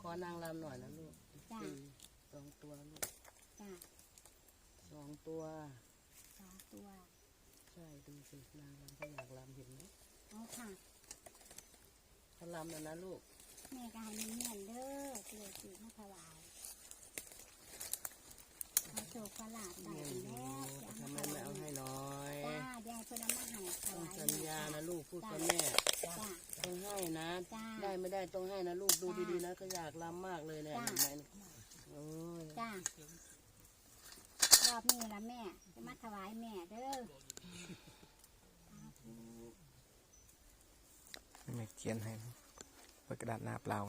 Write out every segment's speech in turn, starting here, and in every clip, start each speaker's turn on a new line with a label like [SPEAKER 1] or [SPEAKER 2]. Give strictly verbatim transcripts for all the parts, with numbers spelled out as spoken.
[SPEAKER 1] อนางรำหน่อยนะลูก
[SPEAKER 2] จ้า
[SPEAKER 1] สองตัวลูก
[SPEAKER 2] จ้า
[SPEAKER 1] สองตัว
[SPEAKER 2] สองตัว
[SPEAKER 1] ใช่ดูสินางรำก็อยากรำเห็นไหม
[SPEAKER 2] เอาค่ะ
[SPEAKER 1] เขารำแล้วนะลูก
[SPEAKER 2] แม่ก็ให้มันเงียนเด้อเกลือสีมาถวายเอาโศกประหลาดใส่แล้วจะ
[SPEAKER 1] ทำ
[SPEAKER 2] เอา
[SPEAKER 1] ไม
[SPEAKER 2] มาถ
[SPEAKER 1] ไม่
[SPEAKER 2] วาย
[SPEAKER 1] เอาให้น้อย
[SPEAKER 2] จ้ายายเพิ่นเอามาให้ถ
[SPEAKER 1] ต้อง
[SPEAKER 2] วาย
[SPEAKER 1] สัญญานะลูกพูดกับแม่
[SPEAKER 2] จ้า
[SPEAKER 1] ต้องให้นะ
[SPEAKER 2] จ้า
[SPEAKER 1] ได้ไม่ได้ต้องให้นะลูกดู
[SPEAKER 2] จ้า
[SPEAKER 1] ดีๆนะก็อยากรำมากเลยเนี่ย
[SPEAKER 2] จ้า
[SPEAKER 1] เห็นไหมโอ้ย
[SPEAKER 2] จ้ารอบนี้ละแม่จะมาถวายแม่เด้อ
[SPEAKER 3] ไม่เขียนให้เปิดกระดาษหน้าเปล่า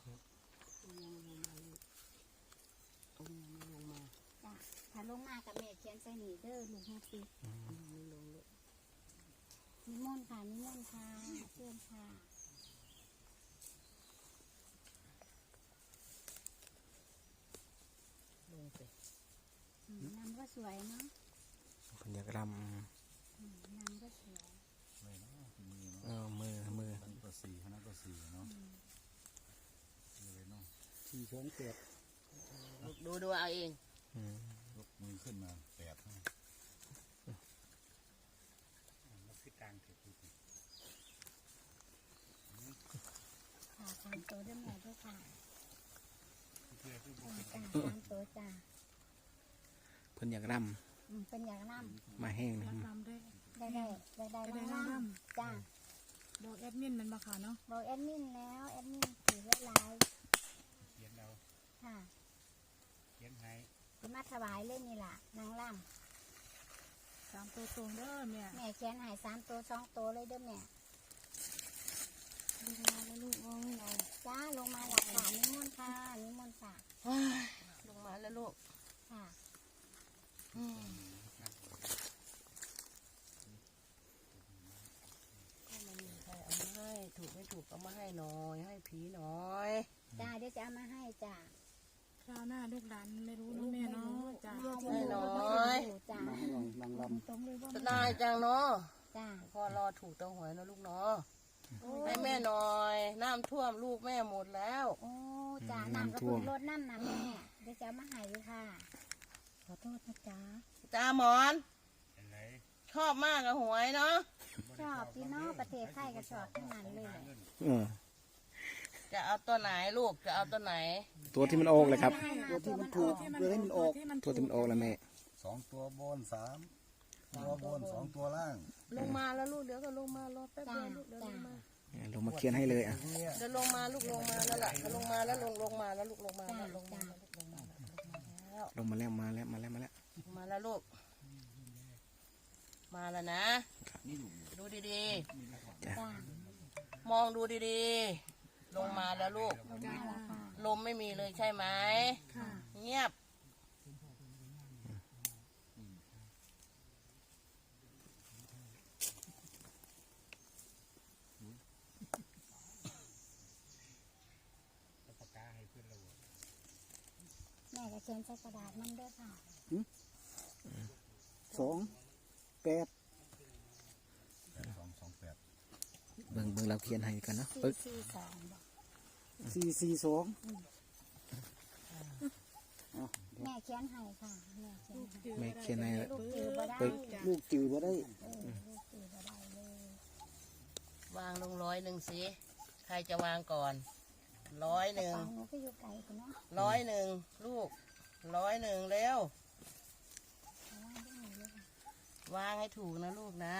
[SPEAKER 1] ต้องยังไม่ลงมา
[SPEAKER 2] จ้าถ้าลงมากับแม่เขียนใส่นี่เด้อลุงแฮปปี้
[SPEAKER 1] ไม่ลงเลย
[SPEAKER 2] นิมนต์ค่ะนิมนต์ค่ะเชิญค่ะ
[SPEAKER 1] ลงไป
[SPEAKER 2] อืมนำก็สวยเนาะ
[SPEAKER 3] เพิ่นอยากร
[SPEAKER 2] อืมนำก็สวย
[SPEAKER 4] เลยเนาะมือ
[SPEAKER 3] ำเอ
[SPEAKER 4] เนาะ
[SPEAKER 3] อมือมือ
[SPEAKER 4] อันก็สี่คณะก็สี่เนาะเลยเนาะ
[SPEAKER 5] สี่สองเจ็ด
[SPEAKER 1] ลูกดูดูเอาเอง
[SPEAKER 3] อืม
[SPEAKER 4] ยกมือขึ้นมาแปดให้
[SPEAKER 5] มันคือกลางเถิดทุกที
[SPEAKER 2] ค่ะสามตัวด้วยแม่ด้วยค่ะ
[SPEAKER 5] เพื่อที่
[SPEAKER 2] เอาจ้าสามตัวจ้า
[SPEAKER 3] เพิ่นอยากร
[SPEAKER 2] อืมเป็นอย่างน้
[SPEAKER 3] ำมาแห้งนะ
[SPEAKER 6] รักลำด้วย
[SPEAKER 2] ำได้ได้ได้ได้
[SPEAKER 6] ได้
[SPEAKER 2] น้
[SPEAKER 6] ได้
[SPEAKER 2] ำจ้า
[SPEAKER 6] บอกแอดมินมันมาค่ะเนาะ
[SPEAKER 2] บอกแอดมินแล้วแอดมินถือไว้ไลน์
[SPEAKER 5] เขียนเรา
[SPEAKER 2] ค่ะ
[SPEAKER 5] เขียนให้
[SPEAKER 2] จะมาถวายเลยนี่ล่ะนางล่
[SPEAKER 6] สามตัวตรงเด้อแม่
[SPEAKER 2] ำแม่เขียนใหายสามตัวสองตัวเลยเด้อแม่
[SPEAKER 6] ดูมาแล้วลูกมองเรา
[SPEAKER 2] จ้าลงมาหลักฐานนิมนต์ค่ะนิมนต์ค่ะ
[SPEAKER 1] ลงมาแล้วลูก
[SPEAKER 2] ค่ะ
[SPEAKER 1] อืมก็ไม่มีใครเอามาให้ถูกไม่ถูกเอามาให้หน่อยให้ผีหน่อย
[SPEAKER 2] จ้าเดี๋ยวจะเอามาให้จ้า
[SPEAKER 6] คราวหน้าลูกหลานไม่รู้เนาะแม่เนาะจ้า
[SPEAKER 1] ให้หน่อย
[SPEAKER 2] จ้า
[SPEAKER 5] มาให้ลองนางล
[SPEAKER 2] ตรงเลยว่า
[SPEAKER 1] จะได้จังเนาะ
[SPEAKER 2] จ้า
[SPEAKER 1] พอรอถูกตัวหวยนะลูกเนาะให้แม่หน่อยน้ำท่วมลูกแม่หมดแล้ว
[SPEAKER 2] โอ้จ้าน้ำกระพุ้งรถน้ำน้ำแม่เดี๋ยวจะเอามาให้อยู่ค่ะขอโทษนะจ้า
[SPEAKER 1] จ้าหมอน
[SPEAKER 5] ำเป็นไร
[SPEAKER 1] ชอบมากกับหวยเนาะ
[SPEAKER 2] ชอบพี่น้องประเทศไทยก็ชอบทั้งนั้นเลย
[SPEAKER 3] เออ
[SPEAKER 1] จะเอาตัวไหนลูกจะเอาตัวไหน
[SPEAKER 3] ตัวที่มันออกเลยครับ
[SPEAKER 5] ตัวที่มันถูกเพื่อให้มันออก
[SPEAKER 3] ตัวที่มันออกแล้วแม่
[SPEAKER 4] สองตัวบนสามตัวบนสองตัวล่าง
[SPEAKER 1] ลงมาแล้วลูกเดี๋ยวก็ลงมารอแป๊บเดียวลูกเดี๋ยวลงมา
[SPEAKER 3] เนี่ยลงมาเขียนให้เลยอ่ะ
[SPEAKER 1] เดี๋ยวลงมาลูกลงมาแล้วล่ะลงมาแล้วลงลงมาแล้วลูกลงมา
[SPEAKER 2] จ้า
[SPEAKER 1] แล้วลงมา
[SPEAKER 2] จ้า
[SPEAKER 1] แล้วลงมาแล้ว
[SPEAKER 3] ลงมาแล้วมาแล้วมาแล้วมาแล้ว
[SPEAKER 1] ลงมาแล้วลูกมาแล้วนะดูดี
[SPEAKER 3] จ้ะ
[SPEAKER 2] จ้า
[SPEAKER 1] ๆ มองดูดีๆ ลงมาแล้วลูก
[SPEAKER 2] ลงมาแล้วค่ะ
[SPEAKER 1] ลมไม่มีเลยใช่ไหม
[SPEAKER 6] ค่ะ
[SPEAKER 1] เงียบ
[SPEAKER 5] ปากกาให้เพื่อนเรา
[SPEAKER 2] แม่ก็เขียนใส่กระดาษมันด้วยค่ะ
[SPEAKER 5] สองแปด
[SPEAKER 4] แปดสองสองแปด
[SPEAKER 3] เบิ่งเบิ่งเราเขียนให้กันเนาะ
[SPEAKER 2] สี่
[SPEAKER 3] ปึ๊ก
[SPEAKER 2] สี่สองบอก
[SPEAKER 5] สี่สี่สอง
[SPEAKER 2] แม่เขียนให้ค่ะแม่เขียน
[SPEAKER 6] จืด
[SPEAKER 2] ให้
[SPEAKER 3] แม่เขียนให้
[SPEAKER 2] ลูกจือบ่ได้
[SPEAKER 3] ปึ๊ก
[SPEAKER 5] ลูกจือบ่ได้
[SPEAKER 2] เออลูกจือบ่ได้เลย
[SPEAKER 1] วางลงร้อยหนึ่งสิใครจะวางก่อนร้อยหนึ่ง
[SPEAKER 2] ฟังหนูก็อยู่ไกลคุณเนาะ
[SPEAKER 1] ร้อยหนึ่งลูกร้อยหนึ่งเร็ว
[SPEAKER 2] เอาไว้ได้หนูเลยค่ะ
[SPEAKER 1] วางให้ถูกนะลูกนะ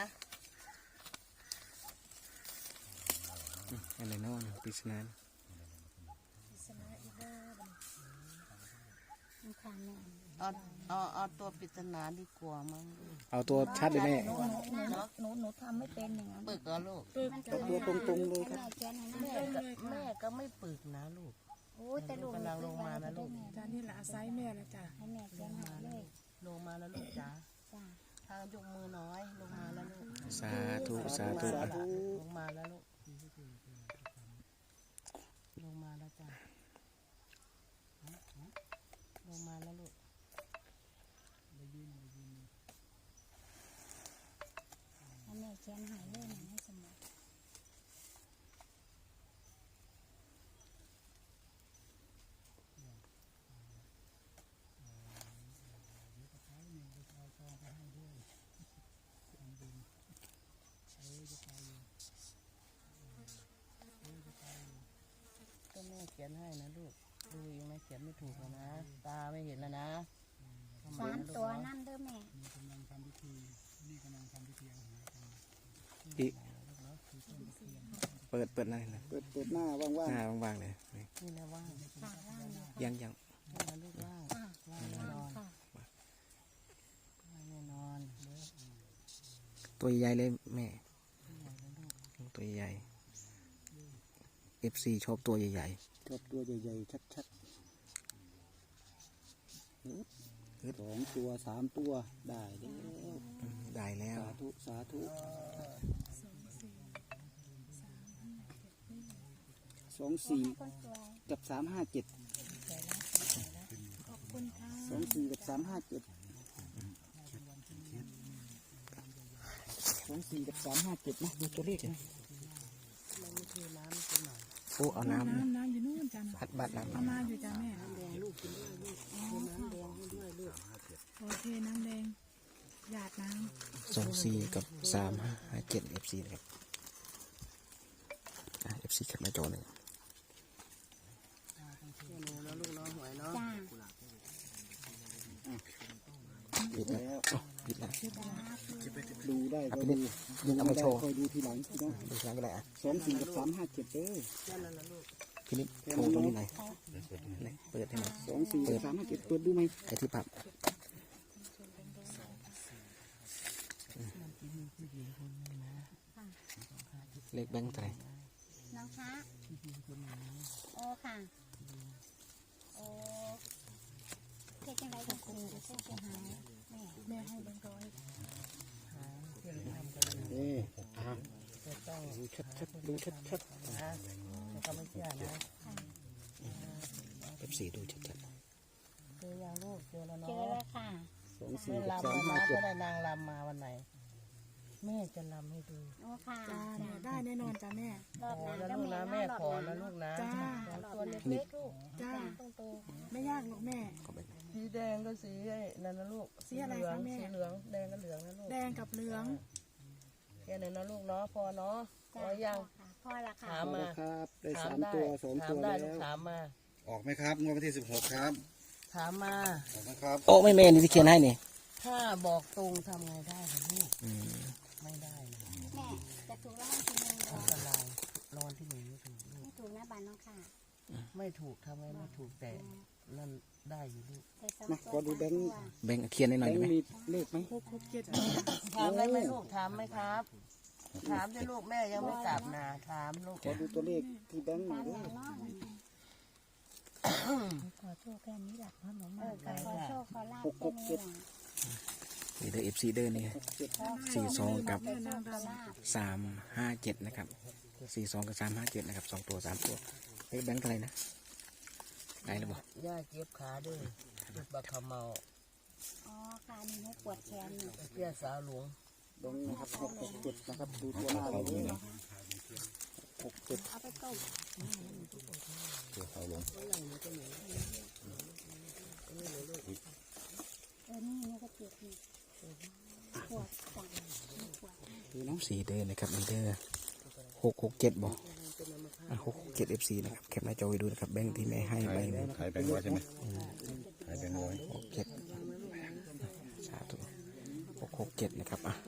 [SPEAKER 3] อะไรเนาะปริศนา
[SPEAKER 2] อิสระอีเดอร์บัดนี้มันค่ะแม่
[SPEAKER 1] เอาเอาเอาตัวปริศนาดีกว่ามั้ง
[SPEAKER 3] เอาตัวชัดเลยแม่
[SPEAKER 2] หนูหนูหนูหนูทำไม่เป็นอย่างนั้น
[SPEAKER 1] ปึกเหรอลูก
[SPEAKER 6] ปึ๊ก
[SPEAKER 2] มัน
[SPEAKER 5] เอาตัวตรงๆเลยครับ
[SPEAKER 2] แม่เขียนให้นะ
[SPEAKER 1] แม่ก็แม่ก็ไม่ปึกนะลูก
[SPEAKER 2] โอ้ยแต่ลูก
[SPEAKER 1] กำลังลงมานะลูก
[SPEAKER 6] จ้านี่แหละอาศัยแม่ละจ้า
[SPEAKER 2] ให้แม่เขียนให้เลย
[SPEAKER 1] ลงมาแล้วลูกจ้า
[SPEAKER 2] จ้า
[SPEAKER 1] ทางยกมือน้อยลงมาแล้วลูก
[SPEAKER 3] สาธุสาธุ
[SPEAKER 5] สาธุ
[SPEAKER 1] ลงมาแล้วลูกลงมาแล้วจ้าลงมาแล้วลูก
[SPEAKER 2] ให้แม่เขียนให้เลยนะให้สมุด
[SPEAKER 1] ขียนให้นะลูกดูยังไม่เขียนไม่ถูกแล้วนะ ตาไม่เห็นแล้วนะ
[SPEAKER 2] สามตัวนั่นเด้อแม่
[SPEAKER 3] อีเปิดเปิดหน้าหน่อย
[SPEAKER 5] เปิดเปิดหน้าว่าง
[SPEAKER 3] หน้าว่างๆเลยนี่
[SPEAKER 1] นี่นะว่าง
[SPEAKER 2] ค่ะว่างเลยค่ะ
[SPEAKER 3] ยังยัง
[SPEAKER 1] นี่นะลูกว่าง
[SPEAKER 2] ค่ะ
[SPEAKER 1] ว่างแน่นอน
[SPEAKER 2] ค่ะ
[SPEAKER 1] ว่างแน่นอนเด้อ
[SPEAKER 3] ตัวใหญ่เลยแม่ตัวใหญ่เอฟซีชอบตัวใหญ่
[SPEAKER 5] ๆชอบตัวใหญ่ๆชัดๆสองตัวสามตัวได้แล้ว
[SPEAKER 3] ๆอืมได้แล้ว
[SPEAKER 5] สาธุสาธุสองสี่
[SPEAKER 2] คนสวย
[SPEAKER 5] กับสามห้าเจ็ด
[SPEAKER 6] ขอบคุณค่ะ
[SPEAKER 5] สองสี่กับสามห้าเจ็ดสองสี่กับสามห้าเจ็ดนะดูตัวเลขนะ
[SPEAKER 1] มันไม่คือน้ำมันคือหน่อย
[SPEAKER 3] โอ้เอาน้ำ
[SPEAKER 6] น้ำน้ำอยู่นู่นจ้ะ
[SPEAKER 3] พัดบัดน้ำ
[SPEAKER 6] เอามาอยู่จ้ะแม่
[SPEAKER 1] น้ำแดงลูกกินด้วยลูกคือน้ำแดงให้ด้วยลูก
[SPEAKER 6] โอเคน้ำแดงหยาดน้
[SPEAKER 3] สองสี่กับสามห้าเจ็ดเอฟซีนะครับเอฟซีแคปหน้าจอเลย
[SPEAKER 1] แค่นี้แล้วลูกน้องหวยเนาะ
[SPEAKER 2] จ้า
[SPEAKER 3] ปิดแล้วอ๋อปิดแล้ว
[SPEAKER 5] ดูได้ก็
[SPEAKER 3] เอาไป
[SPEAKER 5] ดู
[SPEAKER 3] เล่นยิงเอามาโชว์
[SPEAKER 5] คอยดูทีหลังพี่น้อง
[SPEAKER 3] ดูครั้งก็ได้อ่ะ
[SPEAKER 5] สองสี่กับสามห้าเจ็ดเด้อ
[SPEAKER 1] แค่นั้นละลูก
[SPEAKER 3] พี่นิดโชว์ตรงนี้หน่อยไหนเปิดให้หน่อย
[SPEAKER 5] สองสี่กับสามห้าเจ็ดเปิดดูไหม
[SPEAKER 3] ไอ้ที่ปับเลขแบงค์เท่าไหร่
[SPEAKER 2] น้องคะโอ้ค่ะโอ้เฮ็ดจังไดกับคุณจะเสียหายแม่
[SPEAKER 6] ำแม่ให้แบงค์ร้อย
[SPEAKER 1] หาเพื่อนทำกันเลย
[SPEAKER 5] เอ้อ่า
[SPEAKER 1] จะต้อง
[SPEAKER 5] ดูชัดชัดๆดูชัดชัด
[SPEAKER 1] นะแล้วก็ไม่เชื่อนะ
[SPEAKER 3] เอฟซีดูชัด
[SPEAKER 1] เจอยังลูกเจอแล้ว
[SPEAKER 2] เจอ
[SPEAKER 1] เนาะ
[SPEAKER 2] แล้วค่ะ
[SPEAKER 5] ๆสองสี่
[SPEAKER 1] แม่
[SPEAKER 5] กับ
[SPEAKER 1] ลำ
[SPEAKER 5] สาม
[SPEAKER 1] มา
[SPEAKER 5] ห้าเจ็
[SPEAKER 1] จะ
[SPEAKER 5] ด
[SPEAKER 1] ได้นางลำมาวันไหน แม่จะลำให้ดู
[SPEAKER 2] โอ้ค่ะ
[SPEAKER 6] จ้าแม่ได้แน่นอนจ้ะแม่
[SPEAKER 2] รอบ
[SPEAKER 1] ขอ
[SPEAKER 2] หน้า
[SPEAKER 1] นะ
[SPEAKER 2] ก็
[SPEAKER 1] ลูก
[SPEAKER 2] แม่
[SPEAKER 1] นะ
[SPEAKER 2] เนาะ
[SPEAKER 1] แม่
[SPEAKER 2] รอบ
[SPEAKER 1] ขอ
[SPEAKER 2] หน้า
[SPEAKER 1] นะลูกนะ
[SPEAKER 6] จ้า
[SPEAKER 1] สองตัวเล็กๆลูก
[SPEAKER 6] จ้า
[SPEAKER 1] ต้องโต
[SPEAKER 6] ไม่ยากหรอกแม่
[SPEAKER 3] ๆเขาไป
[SPEAKER 1] สีแดงก็สีไอ้นั่นนะลูก
[SPEAKER 6] สีอะไร
[SPEAKER 1] เหลือ
[SPEAKER 6] คะ
[SPEAKER 1] ง
[SPEAKER 6] แม่
[SPEAKER 1] สีเหลืองแดงก็เหลืองนะลูก
[SPEAKER 6] แดงกับเหลือง
[SPEAKER 1] แค่นั้นนะลูกเนาะพอเนาะพ
[SPEAKER 2] จ้า
[SPEAKER 1] อยัง
[SPEAKER 2] ค่ะพ่อละค่ะ
[SPEAKER 1] ถาม
[SPEAKER 5] เอา
[SPEAKER 1] มา
[SPEAKER 5] ละครับได้
[SPEAKER 1] ถา
[SPEAKER 5] สาม ม
[SPEAKER 1] ได้
[SPEAKER 5] ตัวสอง
[SPEAKER 1] ถา
[SPEAKER 5] ตั
[SPEAKER 1] ม
[SPEAKER 5] ว
[SPEAKER 1] ได้
[SPEAKER 5] แล้
[SPEAKER 1] ลูก
[SPEAKER 5] ว
[SPEAKER 1] ถามมา
[SPEAKER 4] ออกไหมครับงวดวันที่สิบหกครับ
[SPEAKER 1] ถามมา
[SPEAKER 4] ออกไหมครับ
[SPEAKER 3] โอ้ไม่แม่นี่ที่เขียนให้นี่
[SPEAKER 1] ถ้าบอกตรงทำไงได้คะลูก
[SPEAKER 3] อืม
[SPEAKER 1] ไม่ได้นะ
[SPEAKER 2] แม่จะถูกรางวัลที่หนึ่งเหร
[SPEAKER 1] อั
[SPEAKER 2] อน
[SPEAKER 1] ตรายรางวัลที่หนึ่งไม่ถูกลู
[SPEAKER 2] ไม่
[SPEAKER 1] ก
[SPEAKER 2] ถูกนะบ้านน้องค่ะ
[SPEAKER 1] ไม่ถูกทำไงไม่ถูกแต่นั่นได้อยู่ลูก
[SPEAKER 2] ใส่สอง
[SPEAKER 5] มา
[SPEAKER 2] ตัว
[SPEAKER 5] ขอดูแบงค์
[SPEAKER 2] สามตัว
[SPEAKER 3] แบงค์เขียนให้ห
[SPEAKER 5] แบ
[SPEAKER 3] น่อย
[SPEAKER 5] ง
[SPEAKER 3] ได้ไหม
[SPEAKER 5] ค์มีเลขไหม
[SPEAKER 6] หกหกเจ็ด
[SPEAKER 1] ถามได้ไหมลูกถามไหมครับ ถามได้ลูกแม่ยังไม่กลับนะถามลูก
[SPEAKER 5] ขอดูตัวเลขที่แบงค์หน่
[SPEAKER 2] ตา
[SPEAKER 5] อย
[SPEAKER 2] ม
[SPEAKER 5] เด้อ
[SPEAKER 2] แม่เนาะขอโชคแค่นี้แหละพ่อหนูมาขอโชคขอลาบแค่นี้แหละ
[SPEAKER 3] นี่เด้อเอฟซีเด้อนี่
[SPEAKER 5] เจ็ด
[SPEAKER 3] สี่สองกับ
[SPEAKER 2] ขอโชคขอลาบ
[SPEAKER 3] สามห้าเจ็ดนะครับสี่สองกับสามห้าเจ็ดนะครับสองตัวสามตัวเลขแบงค์เท่าไหร่นะได้หรือเปล่า
[SPEAKER 1] ย่าเจ็บขาด้วยจุดบักขมเมา
[SPEAKER 2] อ๋อค่ะนี่ให้ปวดแขนอยู่
[SPEAKER 1] เพี้ยสาวหลวง
[SPEAKER 5] แบงค์นะครับหกหกเจ็ดนะครับดูตัวหน้าเลยเด้อหกเจ็ด
[SPEAKER 2] เอาไปต้ม
[SPEAKER 4] เดี๋ยวเขาลง
[SPEAKER 2] เออนี่นี่ก็เจ็บนี่ปวดจังปวด
[SPEAKER 5] ดูเนาะ
[SPEAKER 3] สี่เด้อนะครับมีเด้อหกหกเจ็ดบอกหกหกเจ็ดเอฟซีนะครับแคปหน้าจอไว้ดูนะครับแบงค์ที่แม่ให้ใบหนึ่ง
[SPEAKER 4] ขายแบงค์ร้อยใช่ไหมขายแบงค์ร้อย
[SPEAKER 3] หกเจ็ดสาธุหกหกเจ็ดนะครับอ่ะ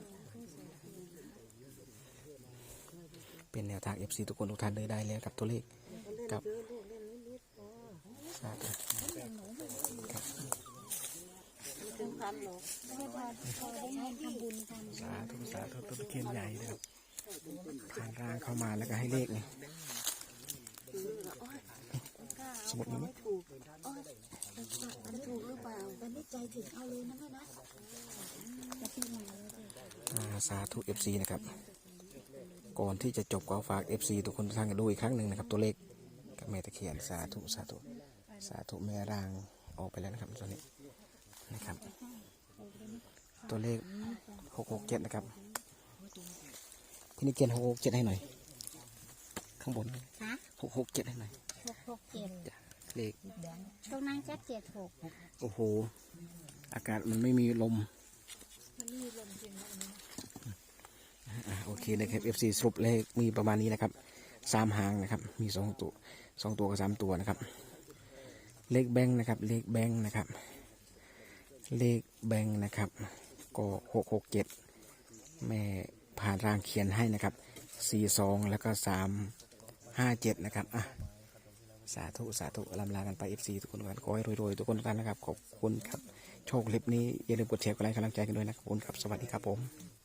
[SPEAKER 3] เป็นแนวทางเอฟซีทุกคนทุกท่านเลยได้แล้วกับตัวเลขกับสาธุครับ
[SPEAKER 1] ถึงพันหรอ
[SPEAKER 2] ไม่ได้พอพอได้เงินทำบุญกัน
[SPEAKER 3] สาธุสาธุต้นตะเคียนใหญ่นะครับขานร่างเข้ามาแล้วก็ให้เลขนี่สมุดนี้ไหม
[SPEAKER 2] มันถูกหรือเปล่ามันไม่ใจถึงเอาเลยนะแม่นะจะพี่มาเลยสิ
[SPEAKER 3] อ่าสาธุเอฟซีนะครับก่อนที่จะจบก็ฝากเอฟซีทุกคนทุกท่านกันดูอีกครั้งหนึ่งนะครับตัวเลขกับแม่ตะเคียนสาธุสาธุสาธุแม่ร่างออกไปแล้วนะครับตัวนี้นะครับ ตัวเลขหกหกเจ็ดนะครับพี่นี่เกียนหกหกเจ็ดให้หน่อย ข้างบน
[SPEAKER 2] ฮะ
[SPEAKER 3] หกหกเจ็ดให้หน่อย
[SPEAKER 2] หกหกเจ็ด
[SPEAKER 3] จ้ะเลข
[SPEAKER 2] ตรงนั้นจะเจ็ดหก
[SPEAKER 3] โอ้โหอากาศมันไม่มีลมอ่าโอเคเลยครับ เอฟ ซี สรุปเลขมีประมาณนี้นะครับสามหางนะครับมีสองตัวสองตัวกับสามตัวนะครับเลขแบงค์นะครับเลขแบงค์นะครับเลขแบงค์นะครับก็หกหกเจ็ดแม่ผ่านรางเขียนให้นะครับสี่สองแล้วก็สามห้าเจ็ดนะครับอ่ะสาธุสาธุลำลากันไปเอฟซีทุกคนกันขอให้รวยๆทุกคนกันนะครับขอบคุณครับโชคคลิปนี้อย่าลืมกดแชร์กดไลค์กำลังใจกันด้วยนะครับขอบคุณครับสวัสดีครับผม